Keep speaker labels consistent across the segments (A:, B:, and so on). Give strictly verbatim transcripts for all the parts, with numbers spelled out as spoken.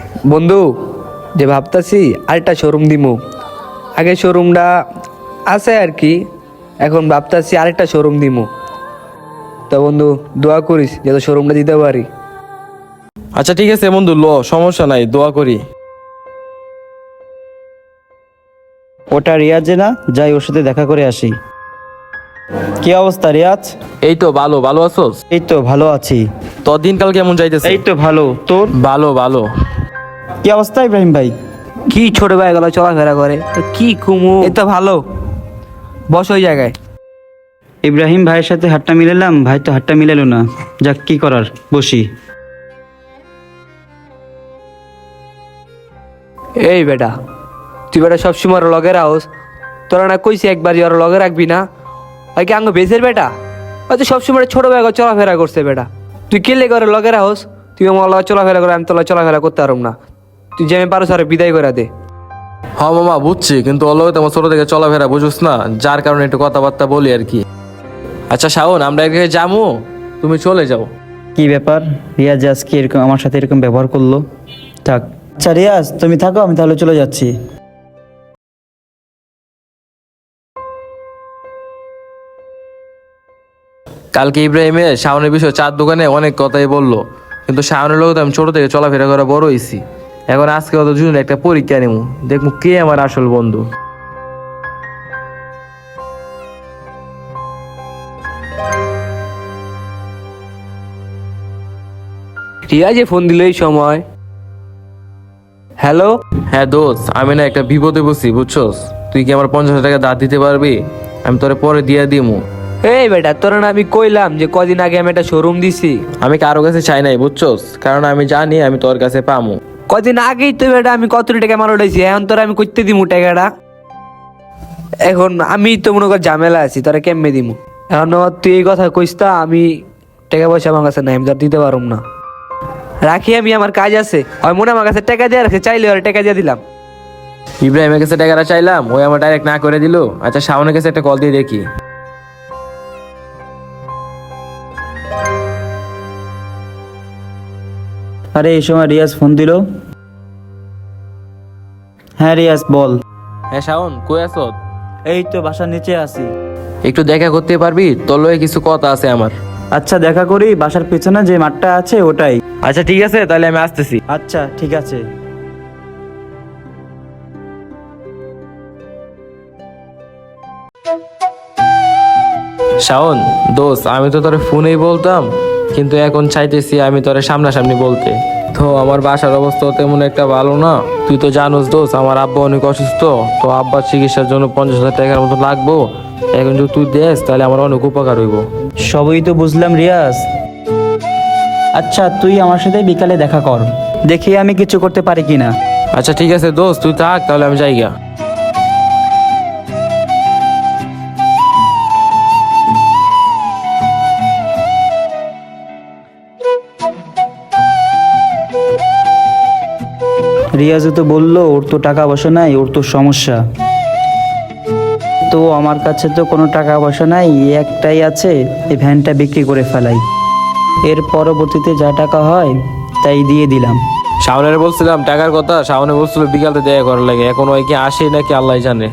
A: বন্ধু, যে ভাবতাছি আরেকটা শোরুম দিমু। আগে শোরুমটা আছে আর কি, এখন ভাবতাছি আরেকটা শোরুম দিমু। তো বন্ধু দোয়া করিস যাতে শোরুমটা দিতে পারি।
B: আচ্ছা ঠিক আছে বন্ধু, ল সমস্যা নাই, দোয়া করি।
C: ওটা রিয়াজে না, যাই ওর সাথে দেখা করে আসি। কি অবস্থা রিয়াজ?
B: এই তো ভালো, ভালো আছোস?
C: এই তো ভালো আছি।
B: তোর দিনকাল কেমন যাইতেছে?
C: এই তো ভালো, তোর?
B: ভালো ভালো।
C: কি অবস্থা ইব্রাহিম ভাই?
A: কি ছোট ভাই গেল চলাফেরা করে, তো কি কুমু, এই তো ভালো। বস ওই জায়গায়।
C: ইব্রাহিম ভাইয়ের সাথে হাতটা মিলালাম, ভাই তো হাতটা মিলালো না। যাক, কি করার, বসি।
A: এই বেটা, তুই বেটা সবসময় ওর লগে রাখোস। তোরা না কইছি একবার ওর লগে রাখবি না? ওই কি আঙ্গ বেসের বেটা? হয়তো সবসময় ছোট ভাই চলাফেরা করছে বেটা। তুই কে লেগে ওর লগে রাখোস? তুই আমার লগে চলাফেরা করে, আমি তোর লগে চলাফেরা করতে পারব না। তুই যে আমি পারো সারে বিদায় করে দে।
B: হ মামা বুঝছি, কিন্তু ওর লগে তো আমার ছোট থেকে চলাফেরা বুঝুস না, যার কারণে একটু কথাবার্তা বলি আর কি। আচ্ছা শাওন, আমরা এক জায়গায় যাবো, তুমি চলে যাও।
C: কি ব্যাপার, রিয়াজ আজকে এরকম আমার সাথে এরকম ব্যবহার করলো? থাক। আচ্ছা রিয়াজ তুমি থাকো, আমি তাহলে চলে যাচ্ছি।
B: কালকে ইব্রাহিমে শাওনের বিষয়ে চার দোকানে অনেক কথাই বললো, কিন্তু শাওনের লোক তো আমি ছোট থেকে চলাফেরা করে বড় হয়েছি। এখন আজকে ওদের জন্য একটা পরীক্ষা নেবো, দেখবো কে আমার আসল বন্ধু।
A: রিয়া যে ফোন দিল এই সময়। হ্যালো।
B: হ্যাঁ দোস্ত, আমি না একটা বিপদে বসি বুঝছস। তুই কি আমার পঞ্চাশ হাজার টাকা দাঁত দিতে পারবি? আমি তোরে পরে দিয়ে দিমু।
A: এই বেটা, তোরা না আমি কইলাম যে কদিন আগে আমি একটা শোরুম দিছি।
B: আমি কারো কাছে চাই নাই বুঝছস, কারণ আমি জানি আমি তোর কাছে পামু।
A: কদিন আগেই তো বেটা আমি কত টাকা মার উঠাইছি, এখন তোরা আমি করতে দিমু টাকাটা। এখন আমি তো মনে কর ঝামেলা আছি, তোরা কেমনে দিমু? এখন তুই এই কথা কইস তা, আমি টাকা পয়সা আমার কাছে নাই, আমি তোর দিতে পারুম না। রাখি, আমি আমার কাজ আছে। হয় মনে আমার কাছে টাকা দিয়ে রাখছে, চাইলে ওর টাকা দিয়ে দিলাম।
B: ইব্রাহিমের কাছে টাকাটা চাইলাম, ওই আমার ডাইরেক্ট না করে দিল। আচ্ছা শাওনের কাছে একটা কল দিয়ে দেখি।
C: আরে এই সময় রিয়াজ ফোন দিল। হ্যাঁ রিয়াজ বল।
B: হ্যাঁ শাওন, কই আছো?
C: এই তো বাসার নিচে আছি।
B: একটু দেখা করতে পারবি? তোর লগে কিছু কথা আছে আমার।
C: আচ্ছা দেখা করি, বাসার পেছনে যে মাঠটা আছে ওটাই।
B: আচ্ছা ঠিক আছে, তাহলে আমি আসতেছি।
C: আচ্ছা ঠিক আছে।
B: শাওন দোস্ত, আমি তো তোরে ফোনেই বলতাম, কিন্তু এখন চাইতেছি আমি তোরে সামনাসামনি বলতে। তো আমার বাসার অবস্থা তেমন একটা ভালো না, তুই তো জানোস দোস্ত, আমার আব্বা অনেক অসুস্থ। তো আব্বার চিকিৎসার জন্য পঞ্চাশ হাজার টাকার মতো লাগবো। এখন যদি তুই দেস তাহলে আমার অনেক উপকার হইব।
C: সবই তো বুঝলাম রিয়াজ। আচ্ছা তুই আমার সাথে বিকালে দেখা কর, দেখি আমি কিছু করতে পারি কিনা।
B: আচ্ছা ঠিক আছে দোস্ত, তুই থাক তাহলে, আমি যাইগা।
C: রিয়াজও তো বললো ওর তো টাকা পয়সা নাই, ওর তো সমস্যা। তো আমার কাছে তো কোনো টাকা পয়সা নাই, এই একটাই আছে, এই ভ্যানটা বিক্রি করে ফেলাই। এর পরবর্তীতে যা টাকা হয় তাই দিয়ে দিলাম।
B: শাওনের বলছিলাম টাকার কথা, শাওনে বলছিল বিকালে দেখা করার লাগে। এখন ওই কি আসে নাকি আল্লাহ জানে।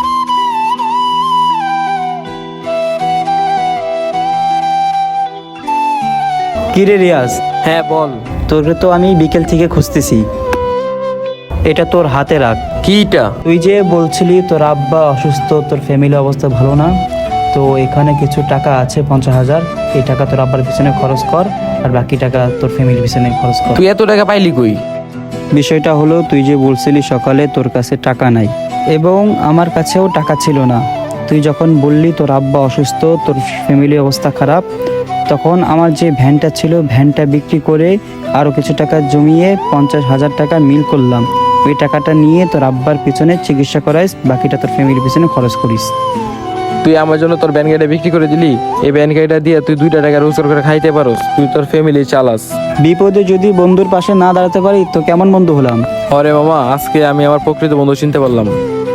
C: কিরে রিয়াজ?
B: হ্যাঁ বল।
C: তোকে তো আমি বিকেল থেকে খুঁজতেছি, এটা তোর হাতে রাখ।
B: কিটা?
C: তুই যে বলছিলি তোর আব্বা অসুস্থ, তোর ফ্যামিলি অবস্থা ভালো না, তো এখানে কিছু টাকা আছে পঞ্চাশ হাজার। এই টাকা তোর আব্বার পিছনে খরচ কর, আর বাকি টাকা তোর ফ্যামিলির পিছনে খরচ কর।
B: তুই এত টাকা পাইলি কই?
C: বিষয়টা হলো তুই যে বলছিলি সকালে তোর কাছে টাকা নাই, এবং আমার কাছেও টাকা ছিল না। তুই যখন বললি তোর আব্বা অসুস্থ, তোর ফ্যামিলি অবস্থা খারাপ, তখন আমার যে ভ্যানটা ছিল ভ্যানটা বিক্রি করে আরও কিছু টাকা জমিয়ে পঞ্চাশ হাজার টাকা মিল করলাম। ওই টাকাটা নিয়ে তোর আব্বার পিছনে চিকিৎসা করাইস, বাকিটা তোর ফ্যামিলির পিছনে খরচ করিস।
B: তুই আমার জন্য তোর ব্যান গাড়িটা বিক্রি করে দিলি, এই ব্যান গাড়িটা দিয়ে তুই দুইটা টাকা রোজগার করে খাইতে পারোস, তুই তোর ফ্যামিলি চালাস।
C: বিপদে যদি বন্ধুর পাশে না দাঁড়াতে পারি তো কেমন বন্ধু হলাম?
B: আরে মামা, আজকে আমি আমার প্রকৃত বন্ধু চিনতে পারলাম।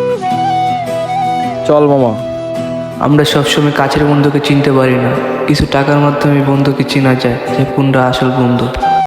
B: চল মামা।
A: আমরা সবসময় কাছের বন্ধুকে চিনতে পারি না, কিছু টাকার মাধ্যমে বন্ধুকে চেনা যায় যে কোনটা আসল বন্ধু।